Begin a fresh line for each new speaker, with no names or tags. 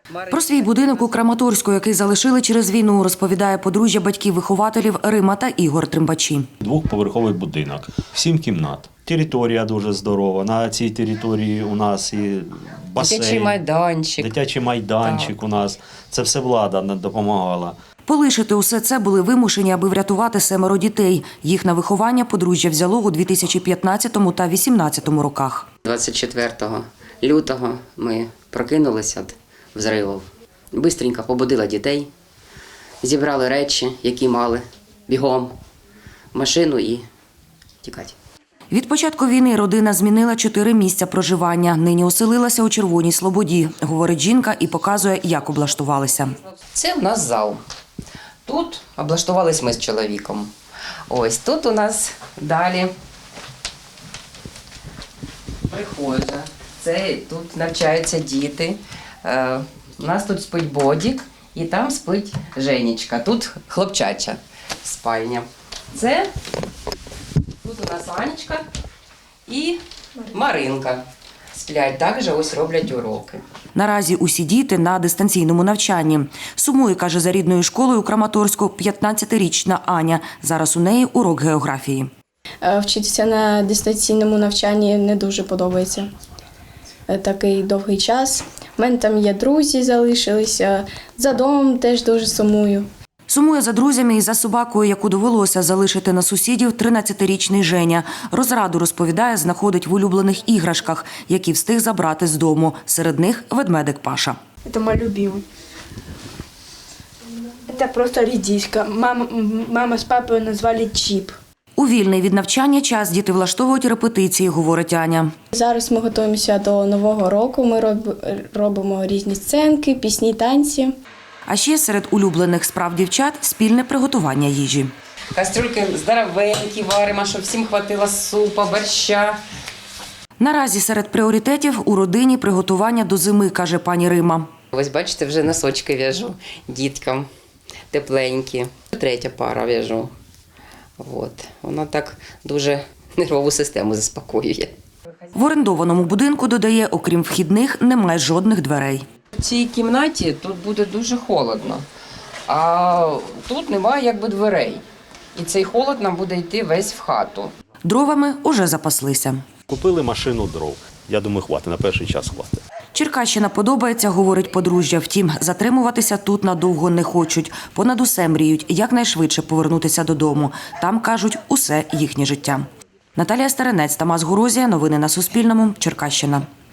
Про свій будинок у Краматорську, який залишили через війну, розповідає подружжя батьків-вихователів Рима та Ігор Тримбачі.
Двохповерховий будинок, 7 кімнат. Територія дуже здорова. На цій території у нас і басейн, дитячий майданчик у нас. Це все влада допомагала.
Полишити усе це були вимушені, аби врятувати 7 дітей. Їх на виховання подружжя взяло у 2015 та 2018 роках.
24 лютого ми прокинулися від взривів. Бистренько побудила дітей, зібрали речі, які мали, бігом в машину і тікати.
Від початку війни родина змінила 4 місця проживання. Нині оселилася у Червоній Слободі, говорить жінка і показує, як облаштувалися.
Це у нас зал. Тут облаштувались ми з чоловіком. Ось тут у нас далі прихожа. Це тут навчаються діти. У нас тут спить Бодік і там спить Женечка. Тут хлопчача спальня. Це тут у нас Анечка і Маринка. Сплять, також ось роблять уроки.
Наразі усі діти на дистанційному навчанні. Сумує, каже, за рідною школою у Краматорську 15-річна Аня. Зараз у неї урок географії.
Вчитися на дистанційному навчанні не дуже подобається. Такий довгий час. У мене там є друзі, залишилися. За домом теж дуже сумую.
Сумує за друзями і за собакою, яку довелося залишити на сусідів 13-річний Женя. Розраду, розповідає, знаходить в улюблених іграшках, які встиг забрати з дому. Серед них ведмедик Паша.
Это мой любимый. Это просто редиска. Мама с папой назвали Чип.
У вільний від навчання час діти влаштовують репетиції, говорить Аня.
Зараз ми готуємося до Нового року. Ми робимо різні сценки, пісні, танці.
А ще серед улюблених справ дівчат – спільне приготування їжі.
Кастрюльки здоровенькі варимо, щоб всім хватило супа, борща.
Наразі серед пріоритетів у родині приготування до зими, каже пані Рима.
Ось бачите, вже носочки в'яжу діткам, тепленькі. 3 пара в'яжу. Воно так дуже нервову систему заспокоює.
В орендованому будинку, додає, окрім вхідних, немає жодних дверей.
В цій кімнаті тут буде дуже холодно, а тут немає дверей. І цей холод нам буде йти весь в хату.
Дровами уже запаслися.
Купили машину дров. Я думаю, хватить, на перший час хватить.
Черкащина подобається, говорить подружжя. Втім, затримуватися тут надовго не хочуть. Понад усе мріють якнайшвидше повернутися додому. Там, кажуть, усе їхнє життя. Наталія Старинець, Тамас Горозія. Новини на Суспільному. Черкащина.